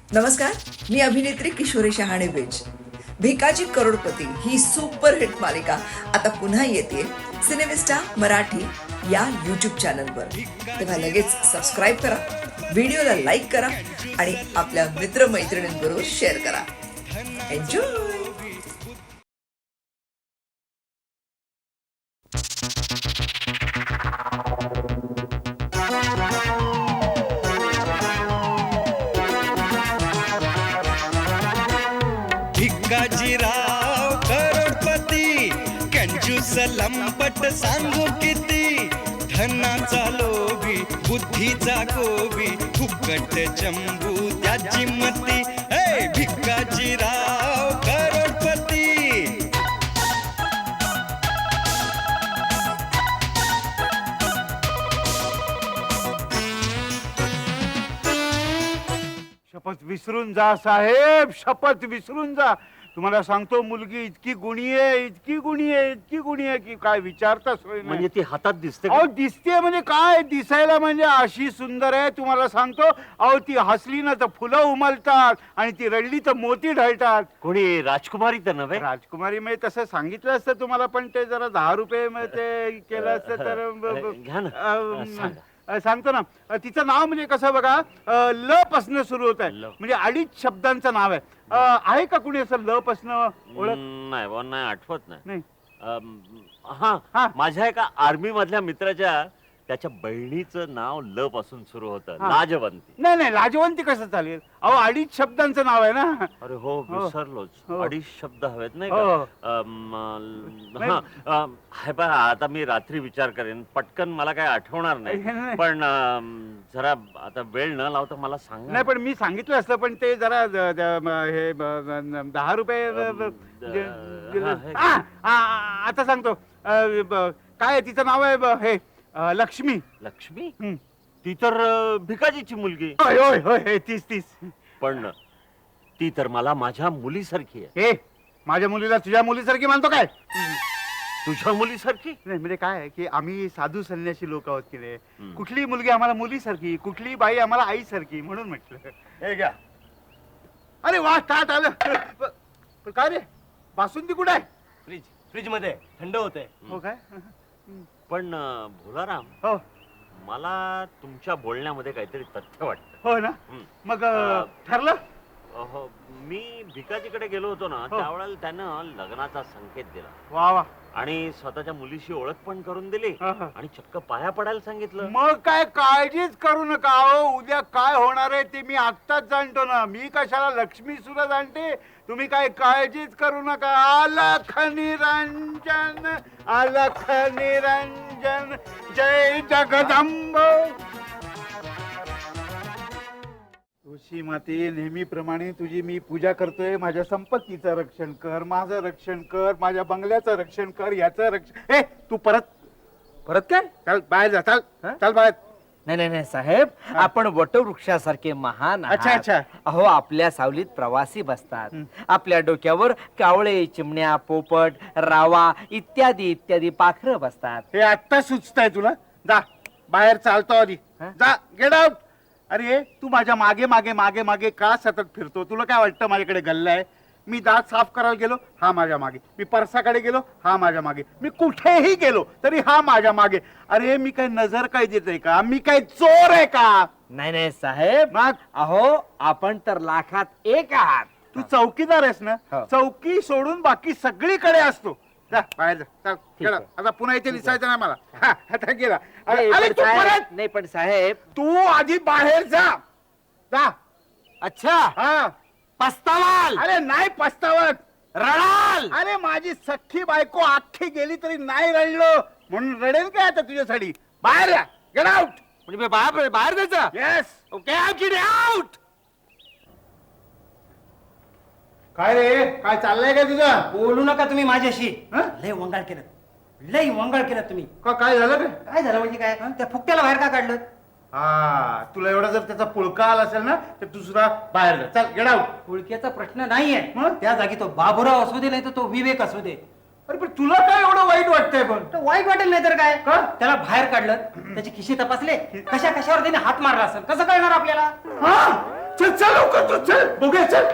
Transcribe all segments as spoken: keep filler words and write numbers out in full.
नमस्कार, मी अभिनेत्री किशोरी शहाणे बेज. भिकाजी करोडपती ही सुपरहिट मालिका आता पुन्हा येते सिनेमिस्टा मराठी या यूट्यूब चॅनलवर. तेव्हा लगेच सबस्क्राईब करा, व्हिडिओला लाईक करा आणि आपल्या मित्रमैत्रिणींबरोबर शेअर करा. एन्जॉय. भिकाजीराव करोडपती कंजूस लंपट सांगू किती, धनाचा लोभी बुद्धीचा गोबी फुकट चंबू त्याची मती. हे भिकाजीराव करोडपती. शपथ विसरून जा साहेब, शपथ विसरून जा. तुम्हाला सांगतो, मुलगी इतकी गुणी आहे, इतकी गुणी आहे, इतकी गुणी आहे की काय विचारता सोय नाही. म्हणजे ती हातात दिसते का? अहो दिसते म्हणजे काय, दिसायला म्हणजे अशी सुंदर आहे तुम्हाला सांगतो. अहो ती हसली ना तर फुलं उमलतात आणि ती रडली तर मोती ढळतात. कोणी राजकुमारी तर नव्हे? राजकुमारी मी तसं सांगितलं असतं तुम्हाला, पण ते जरा दहा रुपये म ते केलं असतं तर ब- ब- घ्या ना. अं, सांगा. अं, सांगतो ना. अं, तिचं नाव म्हणजे कसं बघा, अं, ल पासनं सुरू होत आहे, ल. म्हणजे अडीच शब्दांचं नाव आहे. अं, आहे का कुणी असं ल पासनं ओळख? हम्म, नाही बुवा, नाही आठवत नाही. नाही. अम, हा हा. माझ्या एका आर्मी मधल्या मित्राच्या त्याच्या बहिणीचं नाव ल पासून सुरू होतं, हा. लाजवंती. नाही नाही, लाजवंती कसं चालेल? अहो अडीच शब्दांचं नाव आहे ना. अरे हो, हो. विसरलोच. हो. अडीच शब्द हवेत नाही हो. का? अम, हा, अम, हे पहा, आता मी रात्री विचार करेन, पटकन मला काय आठवणार नाही, नाही. नाही. पण अम, जरा आता वेळ न लावता मला सांगा. नाही पण मी सांगितलं असतं, पण ते जरा द- द- म- हे ब- ब- दहा रुपये ब- ब- अं, जे- द- जे- हा, हे- आ, आ, आ, आता सांगतो. अं, ब- काय आहे, तिचं नाव आहे ब- हे अं, लक्ष्मी. लक्ष्मी? हं. ती तर अ, भिकाजीची मुलगी. होय होय होय हे, तीस तीस. पण ती तर मला माझ्या मुलीसारखी आहे. हे माझ्या मुलीला तुझ्या मुलीसारखी मानतो काय? तुझ्या मुलीसारखी? नाही म्हणजे काय आहे की आम्ही साधू संन्यासी लोक आहोत की रे. हं. कुठली मुलगी आम्हाला मुलीसारखी, कुठली बाई आम्हाला आईसारखी, म्हणून म्हटलं. हे घ्या. अरे वा, ताट आलं. प- पण काय रे, बासुंदी कुठे आहे? फ्रीज फ्रीज मध्ये थंड होते. हो काय? पण अ, भोलाराम, हो मला तुमच्या बोलण्यामध्ये काहीतरी तथ्य वाटतं. हो ना. हं. मग अं, अं, ठरलं? अहो, मी भिकाजीकडे गेलो होतो ना, हो. त्यावेळेला त्यानं लग्नाचा संकेत दिला वा वा. आणि स्वतःच्या मुलीशी ओळख पण करून दिली हा, हा. आणि चक्क पाया पडायला सांगितलं. मग काय काळजीच करू नका. अहो उद्या काय होणार आहे ते मी आत्ताच जाणतो ना. मी कशाला लक्ष्मी सुद्धा जाणते. तुम्ही काय काळजीच करू नका. अलख निरंजन, अलख निरंजन, जय जगदंब. तुळशी माते, नेहमीप्रमाणे तुझी मी पूजा करतोय. माझ्या संपत्तीचं रक्षण कर, माझं रक्षण कर, माझ्या बंगल्याचं रक्षण कर, याचं रक्षण. ए तू परत परत काय? चल बाहेर जा. चल हं? चल बाहेर. नाही नाही नाही साहेब, हा. आपण वटवृक्षासारखे महान आहात. अच्छा, अच्छा. अहो आपल्या सावलीत प्रवासी बसतात. हं. आपल्या डोक्यावर कावळे, चिमण्या, पोपट, रावा इत्यादी इत्यादी पाखरं बसतात. हे आत्ता सुचतंय तुला? जा बाहेर चालतो आधी. हं? जा, गेट आउट. अरे तू माझ्या मागे मागे मागे मागे का सतत फिरतो? तुला काय वाटतं माझ्याकडे गल्ला आहे? मी दात साफ करायला गेलो, हा माझ्या मागे. मी परसाकडे गेलो, हा माझ्या मागे. मी कुठेही गेलो तरी हा माझ्या मागे. अरे मी काय नजर काय देतोय का? मी काय चोर आहे का? नाही नाही साहेब, मग अहो आपण तर लाखात एक आहात. तू चौकीदार आहेस ना? हो. चौकी सोडून बाकी सगळीकडे असतो. जा बाहेर जा. चल, ठीक गेला. आहे. आता पुन्हा इथे दिसायचं नाही मला. हा, आता गेला. अरे नाही, अरे, पण तू साहेब- परत नाही पण साहेब. तू आधी बाहेर जा. जा. अच्छा, हा. पस्तावाल, अरे नाही पस्तावत. रडाल. अरे माझी सख्खी बायको अख्खी गेली तरी नाही रडलो म्हणून रडेल काय आता तुझ्यासाठी? बाहेर या. Get out. म्हणजे मी बाहेर बाहेर जायचं. येस. Okay, out. काय रे, काय चाललंय का तुझं? बोलू नका तुम्ही माझ्याशी. हं? लय वंगाळ केलं, लय वंगाळ केलं तुम्ही. का काय झालं काय? काय झालं म्हणजे काय? त्या फुकट्याला बाहेर का काढलं? हा, तुला एवढा जर त्याचा पुळका आला असेल ना तर तू सुद्धा बाहेर जा. चल गेट आउट. ओळखीचा प्रश्न नाहीये. मग? त्या जागी तो बाबूराव असू दे, नाही तर तो विवेक असू दे, अरे पण तुला काय एवढं वाईट वाटतंय पण तर वाईट वाटेल नाही तर काय का? त्याला बाहेर काढलं त्याचे खिशे तपासले कशा कशावर त्याने हात मारला असेल कसं कळणार आपल्याला हा चल चल लवकर तू चल बघूया चल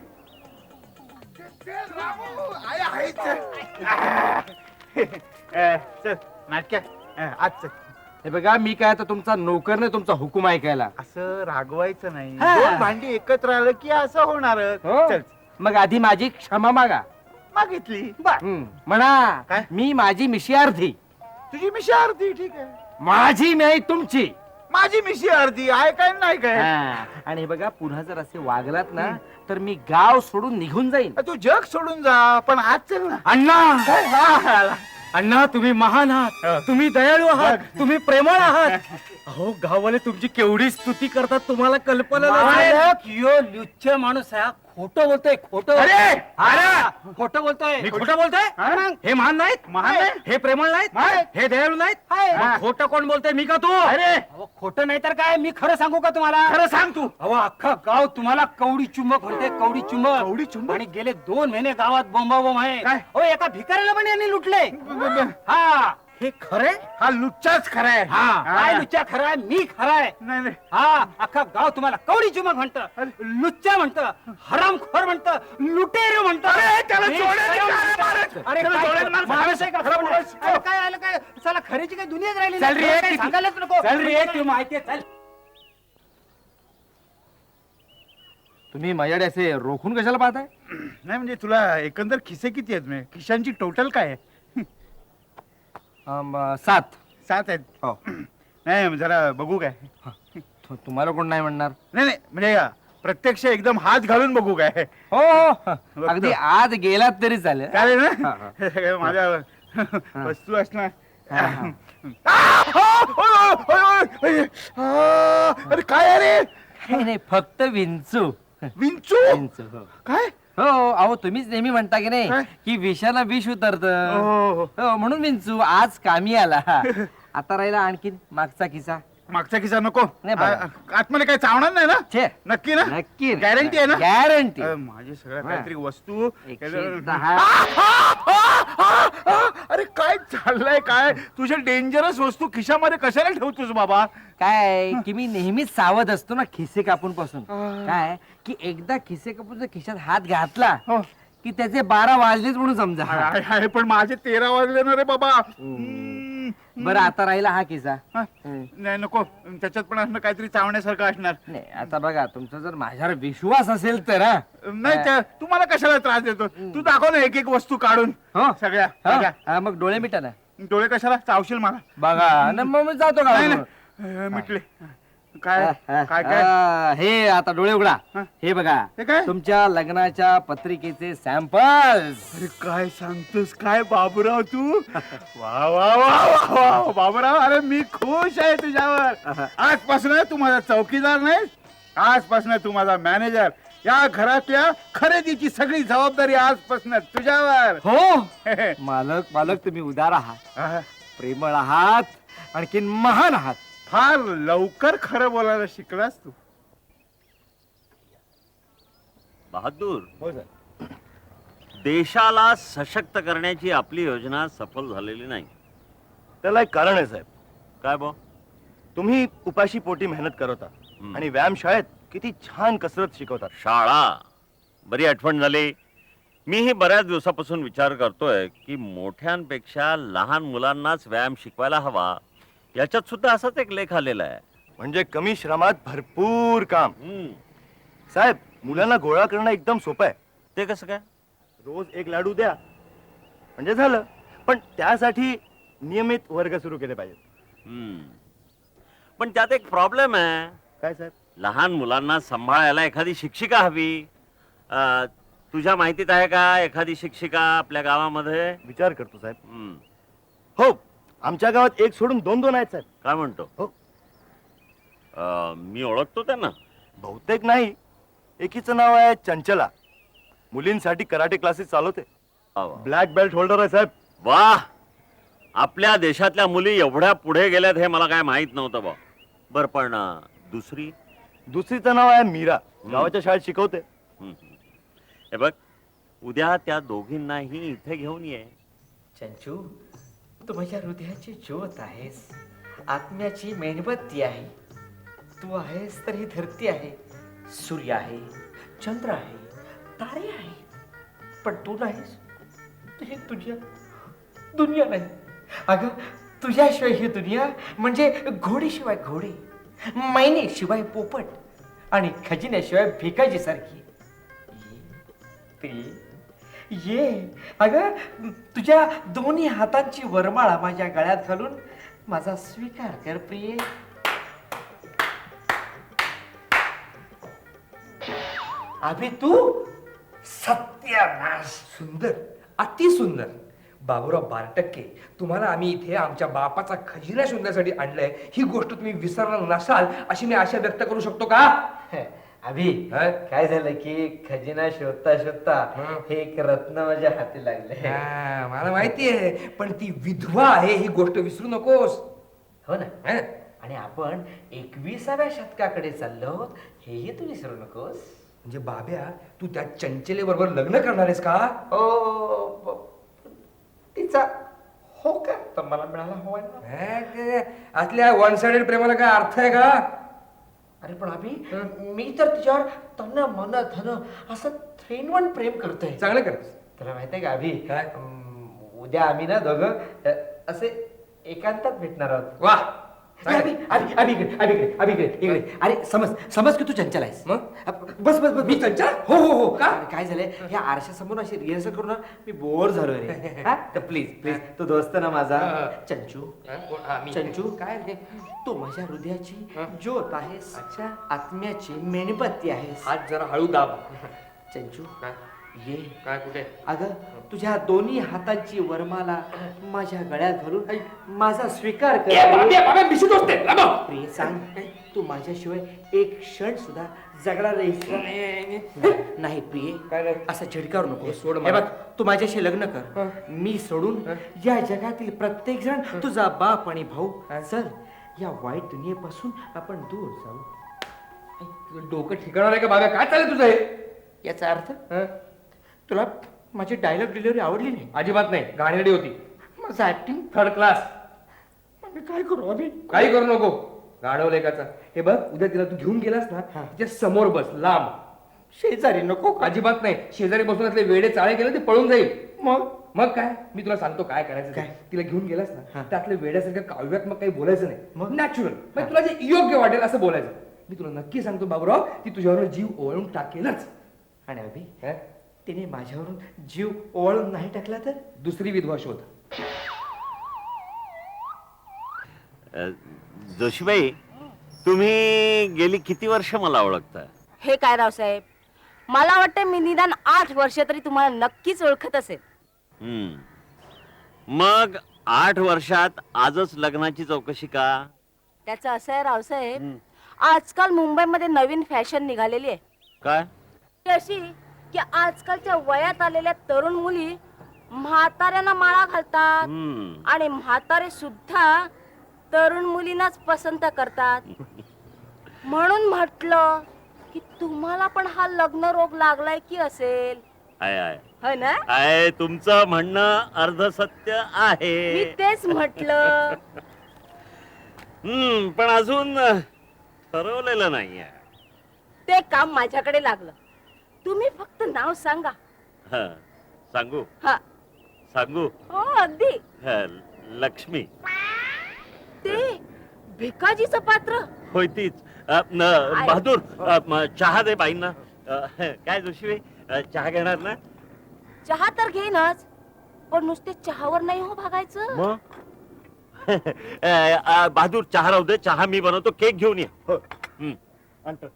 चल, रामू, आहे, आहे, चल. अ, चल नाटक्या अ, आज चल हे बघा मी काय तर तुमचा नोकर नाही तुमचा हुकूम ऐकायला. असं रागवायचं नाही हा. दोन भांडी एकत्र आलं की असं होणार हो? चल मग आधी माझी क्षमा मागा. मागितली हं, म्हणा काय? मी माझी मिशी अर्धी, तुझी मिशी अर्धी ठीक आहे माझी नाही तुमची. माझी मिशी अर्धी आहे काय नाही काय हा, आणि हे बघा पुन्हा जर असे वागलात ना तर मी गाव सोडून निघून जाईन. तू जग सोडून जा पण आज चल ना अण्णा काय? हा, हा. अण्णा तुम्ही महान आहात, तुम्ही दयाळू आहात, तुम्ही प्रेमळ आहात. अहो गाववाले तुमची केवढी स्तुती करतात तुम्हाला कल्पना नाही. मालक, यो लुच्छ माणूस आहे हा. खोटं बोलतोय खोटं अरे अरे खोटं बोलतोय मी खोटं बोलतोय? हा? हे महान नाहीत, महान नाही? हे प्रेमळ नाहीत, नाही. हे दयाळू नाहीत. हाय. मग खोटं कोण बोलतोय, मी का तू? अरे अहो, खोटं नाही तर काय मी खरं सांगू का तुम्हाला खरं सांग तू. अहो अख्खा गाव तुम्हाला कवडी चुंबक म्हणते कवडी चुंबक कवडी चुंबक? आणि गेले दोन महिने गावात बोंबाबोंब आहे काय? हो एका भिकाऱ्याला पण यांनी लुटले ब- ब- ब- हा हे खरे हा लुच्चाच खरा आहे हा काय लुच्चा खरा आहे मी खरा आहे नाही नाही हा अख्खा गाव तुम्हाला कवडी चुंबक म्हणतं लुच्चा म्हणतं हरामखोर म्हणतं लुटेर म्हणतं अरे, त्याला मी जोड्याने खरं काय म्हणतो. मारत? अरे त्याला काय जोड्याने मारत? माणूस आहे का खरं खरं बोलायचं. अरे, काय आलं काय चला खरीची काही दुनियाच राहिली चल रे, काही ती- सांगायलाच नको चल रे, ती माहिती आहे, चल तुम्ही माझ्याकडे असे रोखून कशाला पाहताय? नाही म्हणजे तुला एकंदर खिसे किती आहेत म्हणजे खिशांची टोटल काय आहे अम, सात. सात आहेत हो. नाही जरा बघू काय तु- तुम्हाला कोण नाही म्हणणार? नाही नाही म्हणजे प्रत्यक्ष एकदम हात घालून बघू काय हो हो अगदी आज गेलात तरी चालेल. चालेल हा, ना हा. हे सगळं माझ्या वस्तू असणार हा, हा. आ! ओ, ओय, ओय, ओय, ओय. आ! अरे काय अरे नाही नाही, फक्त विंचू. विंचू विंचू हो. काय हो अहो तुम्हीच नेहमी म्हणता की नाही काय? की विषाला विष उतरत. हो, हो. हो म्हणून विंचू आज कामी आला. आता राहिला आणखीन मागचा किस्सा. मागचा किस्सा नको नाही बघा. आ- आतमध्ये काय चावणार नाही ना छे नक्की ना नक्की गॅरंटी आहे ना गॅरंटी. अ, माझी सगळ्या हा. काहीतरी वस्तू एकशे दहा. अरे काय चाललंय काय तुझ्या डेंजरस वस्तू खिशामध्ये कशाला ठेवतोस बाबा काय की मी नेहमीच सावध असतो ना खिसे कापून पासून. काय की एकदा खिसे कापून जर खिशात हात घातला हो. की त्याचे बारा वाजलेच म्हणून समजा. आहे आहे, पण माझे तेरा वाजले ना रे बाबा हम्म. बरं आता राहिला हा किस्सा. हा. हम्म. नाही नको त्याच्यात पण असणं काहीतरी चावण्यासारखं असणार नाही आता बघा तुमचा जर माझ्यावर विश्वास असेल तर हा. नाही त्या- तुम्हाला कशाला त्रास देतो तू दाखव ना एक एक वस्तू काढून हो? सगळ्या हा? सगळ्या. हा, मग डोळे मिटा ना डोळे कशाला चावशील मला बघा न मग मी जातो नाही का. नाही अ, मिटले काय काय काय आ, हे आता डोळे उघडा. हा. हे बघा हे काय? तुमच्या लग्नाच्या पत्रिकेचे सॅम्पल्स. अरे काय सांगतोस काय बाबूराव तू वा वा वा वा वा बाबूराव अरे मी खुश आहे तुझ्यावर आजपासून तू माझा चौकीदार नाही आजपासून तू माझा मॅनेजर या घरातल्या खरेदीची सगळी जबाबदारी आजपासून तुझ्यावर हो मालक मालक तुम्ही उदार आहात, आहा, प्रेमळ आहात, आणखीन महान आहात. फार लवकर खरं बोलायला शिकलास तू बहादूर हो सर देशाला सशक्त करण्याची आपली योजना सफल झालेली नाही. त्याला एक कारण आहे साहेब. काय बो तुम्ही उपाशी पोटी मेहनत करता हं. आणि व्यायामशाळेत किती छान कसरत शिकवतात. शाळा बरी आठवण झाली. मीही बऱ्याच दिवसापासून विचार करतोय की मोठ्यांपेक्षा लहान मुलांनाच व्यायाम शिकवायला हवा. याच्यात सुद्धा असाच एक लेख आलेला आहे. म्हणजे कमी श्रमात भरपूर काम. हम्म. साहेब मुलांना गोळा करणं एकदम सोपं आहे. ते कसं काय? रोज एक लाडू द्या म्हणजे झालं. पण त्यासाठी नियमित वर्ग सुरू केले पाहिजेत. हम्म. पण त्यात एक प्रॉब्लेम आहे. काय साहेब? लहान मुलांना सांभाळायला एखादी शिक्षिका हवी. अं, तुझ्या माहितीत आहे का एखादी शिक्षिका आपल्या गावामध्ये? विचार करतो साहेब. हम्म. हो आमच्या गावात एक सोडून दोन दोन आहेत साहेब. काय म्हणतो? हो. अं, मी ओळखतो त्यांना. बहुतेक नाही. एकीचं नाव आहे चंचला. मुलींसाठी कराटे क्लासेस चालवते. वा वा. ब्लॅक बेल्ट होल्डर आहे साहेब. वाह, आपल्या देशातल्या मुली एवढ्या पुढे गेल्यात हे मला काय माहित नव्हतं बा. बर पण अं, दुसरी? दुसरीचं नाव आहे मीरा. गावाच्या शाळेत शिकवते. हम्म. हे बघ उद्या त्या दोघींनाही इथे घेऊन ये. चंचू, तू माझ्या हृदयाची ज्योत आहेस, आत्म्याची मेणबत्ती आहे. तू आहेस तर ही धरती आहे, सूर्य आहे, चंद्र आहे, तारे आहे. पण तू नाहीस, ही तुझ्या दुनिया नाही. अगं, तुझ्याशिवाय ही दुनिया म्हणजे घोडीशिवाय घोडे, मैनेशिवाय पोपट आणि खजिन्याशिवाय भिकाजी सारखी. ये, ये अगं, तुझ्या दोन्ही हातांची वरमाळा माझ्या गळ्यात घालून माझा स्वीकार कर प्रिये. अभि तू सत्यानाश. सुंदर, अति सुंदर. बाबूराव बारटक्के, तुम्हाला आम्ही इथे आमच्या बापाचा खजिना शोधण्यासाठी आणलंय, ही गोष्ट तुम्ही विसरणार नसाल अशी मी आशा व्यक्त करू शकतो का? अभि, हं? काय झालं की खजिना शोधता शोधता हं. हे एक रत्न माझ्या हाती लागले. हा, मला माहिती आहे, पण ती विधवा आहे ही गोष्ट विसरू नकोस. हो ना. हं? आणि आपण एकविसाव्या शतकाकडे चाललो हेही तू विसरू नकोस. म्हणजे बाब्या, तू त्या चंचले बरोबर लग्न करणार आहेस का? ओ ब- तिचा हो का तर मला मिळाला हवाय ना. हे ते, आतल्या वन साइडेड प्रेमाला काय अर्थ आहे का? अरे पण अभि, मी तर तिच्यावर तन मन धन असं थ्री इन वन प्रेम करतोय. चांगलं करतेस. तुला माहितीये का अभि, काय? अं, उद्या आम्ही ना दोघं अ, असे एकांतात भेटणार आहोत. वा, अभि, अभि, अभि इकडे, अभि इकडे, अभि इकडे, इकडे. अरे समज समज की तू चंचल आहेस. मग? बस बस बस मी चंचल? हो हो हो. का? अरे काय झालंय, ह्या आरशासमोर अशी रिहर्सल करून ना मी बोर झालो रे. हा? तर प्लीज प्लीज तू दोस्त ना माझा. हा, हा. चंचू, हा, कोण? हा, मी. चंचू, काय रे? तू माझ्या हृदयाची हा. ज्योत आहेस, अच्छा. आत्म्याची मेणबत्ती आहेस. हात जरा हळू दाब. चंचू, काय? ये. काय कुठे? अगं, तुझ्या दोन्ही हातांची वरमाला माझ्या गळ्यात घालून माझा स्वीकार कर. ए, बाब्या, बाब्या, मिशी दोसते. लांब. प्रिय सांग, तू माझ्याशिवाय एक क्षण सुद्धा जगणार नाहीस. नाही प्रिय, काय रे? असं झिडकारू नको. हे सोड हे मला. बघ, तू माझ्याशी लग्न कर. हं. मी सोडून हं. या जगातील प्रत्येक जण तुझा बाप आणि भाऊ. हं. चल, या वाईट दुनियेपासून आपण दूर जाऊ. तुझं डोकं ठिकाणार आहे का बाब्या? काय चालेल तुझं हे? याचा अर्थ हं? तुला माझी डायलॉग डिलिव्हरी आवडली नाही? अजिबात नाही. गाणी होती माझं ऍक्टिंग थर्ड क्लास. मी काय करू अभि? काही करू नको. गाढव लेखाचा. हे बघ, उद्या तिला तू घेऊन गेलास ना, हा. तिच्या समोर बस, लांब. शेजारी नको का? अजिबात नाही. शेजारी बसून असले वेडे चाळे केले ते पळून जाईल. मग मग काय, मी तुला सांगतो काय करायचं ते. काय? तिला घेऊन गेलास ना, हा. त्यातले वेड्यासारखं काव्यात्मक काही बोलायचं नाही. मग? नॅचरल, हा. तुला जे योग्य वाटेल असं बोलायचं. मी तुला नक्की सांगतो बाबूराव, ती तुझ्यावर जीव ओवाळून टाकेलच. आणि अभि, हं? तिने माझ्यावरून जीव ओवाळून नाही टाकला तर? दुसरी विधवा शोध. अ, जोशीबाई, तुम्ही गेली किती वर्ष मला ओळखता? हे काय रावसाहेब, मला वाटतं मी निदान आठ वर्ष तरी तुम्हाला नक्कीच ओळखत असेल. हम्म. मग आठ वर्षात आजच लग्नाची चौकशी का? त्याचं असं आहे रावसाहेब, आजकाल मुंबईमध्ये नवीन फॅशन निघालेली आहे. काय? ती अशी की आजकालच्या वयात आलेल्या तरुण मुली म्हाताऱ्यांना माळा घालतात हम्म. आणि म्हातारे सुद्धा तरुण मुलींनाच पसंत करतात. म्हणून म्हटलं की तुम्हाला पण हा लग्न रोग लागलाय की असेल. आहे आहे हो ना? आहे, तुमचं म्हणणं अर्धसत्य मी आहे. तेच म्हटलं. हम्म, पण अजून ठरवलेलं नाहीये. ते काम माझ्याकडे लागलं. तुम्ही फक्त नाव सांगा. हं, सांगू हा, सांगू हो अगदी. हं, लक्ष्मी. ते भिकाजीचं पात्र. होय तीच. अ, न, बहादूर, अ, म, चहा दे बाईंना. अ, काय जोशीबाई, अ, चहा घेणार ना? चहा तर घेईनच, पण नुसते चहावर नाही हो भागायचं. मग अ, अ, बहादूर, चहा राहू दे. चहा मी बनवतो. केक घेऊन ये. हं. आणतो.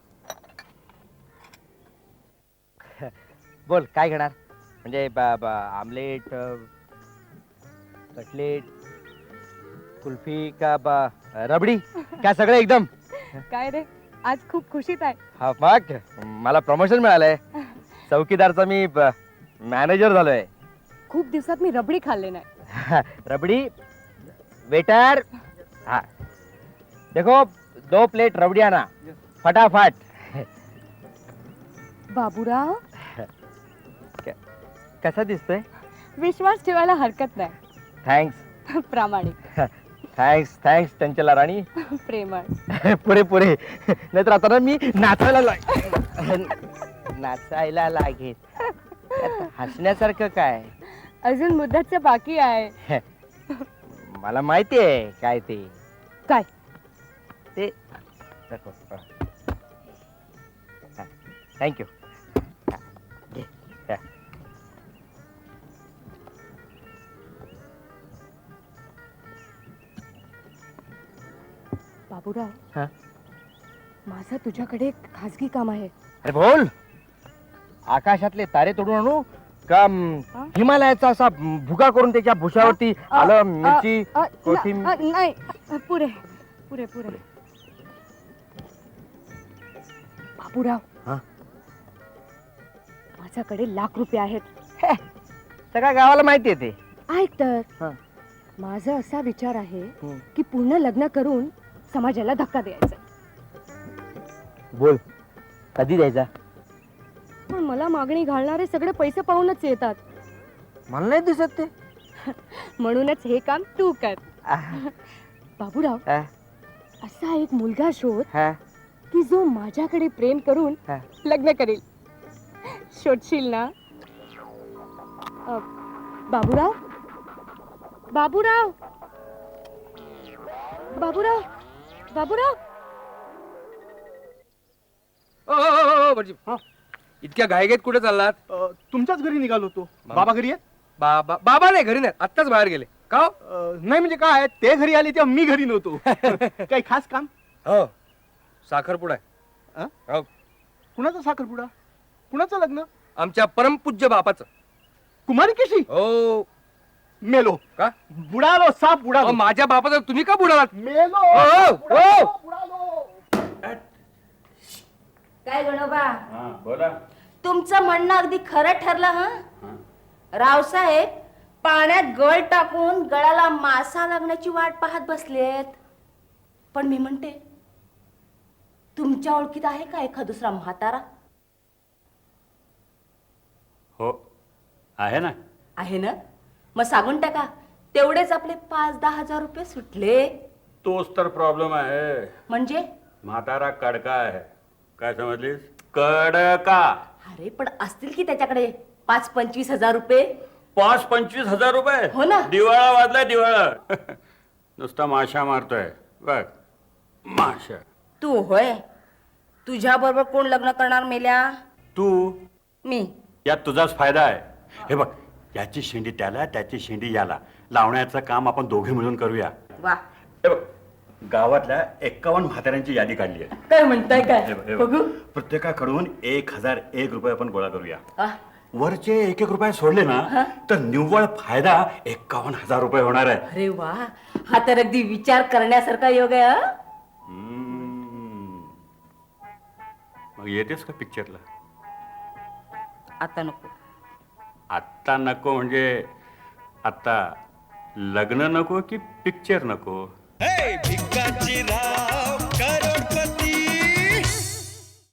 बोल, काय घेणार? म्हणजे ब- ब- आमलेट, अ, कटलेट, कुल्फी का ब- रबडी का सगळं एकदम? काय रे, आज खूप खुशीत आहे. हा, मग मला प्रमोशन मिळालंय. चौकीदारचा मी मॅनेजर झालोय. खूप दिवसात मी रबडी खाल्ले नाही. रबडी वेटर, हाँ देखो दो प्लेट रबड़ी आना फटाफट. बाबूराव, कसा दिसतोय? विश्वास ठेवायला हरकत नाही. थँक्स प्रामाणिक थँक्स थँक्स चंचला राणी प्रेमळ पुरे पुरे नाहीतर आता ना मी नाचायला लाग नाचायला लागेल त्यात हसण्यासारखं काय अजून मुद्दाचं बाकी आहे. मला माहिती आहे काय ते काय ते थँक्यू बाबूराव हा? माझं तुझ्याकडे एक खासगी काम आहे. अरे बोल. आकाशातले तारे तोडून आणू का म, हा? हिमालयाचा असा म, भुगा करून त्याच्या भुशावरती अ, आलं अ, मिरची अ, कोथिंब अ, नाही अ, पुरे पुरे पुरे बाबूराव हा? माझ्याकडे लाख रुपये आहेत. सगळ्या गावाला माहिती आहे ते. ऐक तर हा. माझा असा विचार आहे हम्म. की पूर्ण लग्न करून समाजाला धक्का द्यायचा. बोल कधी द्यायचा. पण मला मागणी घालणारे सगळे पैसे पाहूनच येतात. मला नाही दिसत ते. म्हणूनच हे काम तू कर. आह, बाबूराव हा, असा एक मुलगा शोध हा, की जो माझ्याकडे प्रेम करून हा. लग्न करेल. शोधशील ना. अ, बाबूराव बाबूराव बाबूराव बाबूराव ओ, ओ, ओ, ओ, भटजी. इतक्या घाईघाईत कुठे चाललात? अ, तुमच्याच घरी निघालो होतो. बाबा घरी आहेत? बाबा बाबा नाही घरी नाही आत्ताच बाहेर गेले. का हो? अ, नाही म्हणजे काय ते घरी आले तेव्हा मी घरी नव्हतो. काही खास काम? हो साखरपुडा आहे. अ? हो कुणाचा साखरपुडा? कुणाचं लग्न? आमच्या परमपूज्य बापाचं. कुमारी कशी? हो मेलो. का? बुडालो साप अहो, बुडालो. माझ्या बापाचं तुम्ही का बुडालात? मेलो. ओ, बुडालो, ओ. बुडालो. काय गणोबा बोला. तुमचं म्हणणं अगदी खरं ठरलं. हा रावसाहेब पाण्यात गळ टाकून गळाला मासा लागण्याची वाट पाहत बसलेत. पण मी म्हणते तुमच्या ओळखीत आहे का एखाद दुसरा म्हातारा? हो आहे ना. आहे ना. मग सांगून टाका. तेवढेच आपले पाच दहा हजार रुपये सुटले. तोच तर प्रॉब्लेम आहे. म्हणजे म्हातारा कडका आहे. काय समजलीस? कडका. अरे पण असतील की त्याच्याकडे पाच पंचवीस हजार रुपये. पाच पंचवीस हजार रुपये. हो ना. दिवाळा वाजलाय दिवाळा. नुसता माशा मारतोय बघ. माशा. तू होय. तुझ्या बरोबर कोण लग्न करणार मेल्या? तू मी. यात तुझाच फायदा आहे. हे बघ याची शेंडी त्याला त्याची शेंडी याला लावण्याचं काम आपण दोघे मिळून करूया. वा हे बघ गावातल्या एक्कावन्न म्हाताऱ्यांची यादी काढली आहे. काय म्हणताय हे काय? बघ, हे बघ. बघू. प्रत्येकाकडून एक हजार एक रुपये आपण गोळा करूया. आ, वरचे एक एक रुपये सोडले ना तर निव्वळ फायदा एक्कावन्न हजार रुपये होणार आहे. अरे वा हा तर अगदी विचार करण्यासारखा योग आहे. हं? हम्म. मग येतेस का पिक्चरला? आता नको. आत्ता नको म्हणजे आत्ता लग्न नको की पिक्चर नको? हे भिकाजी राव करोडपती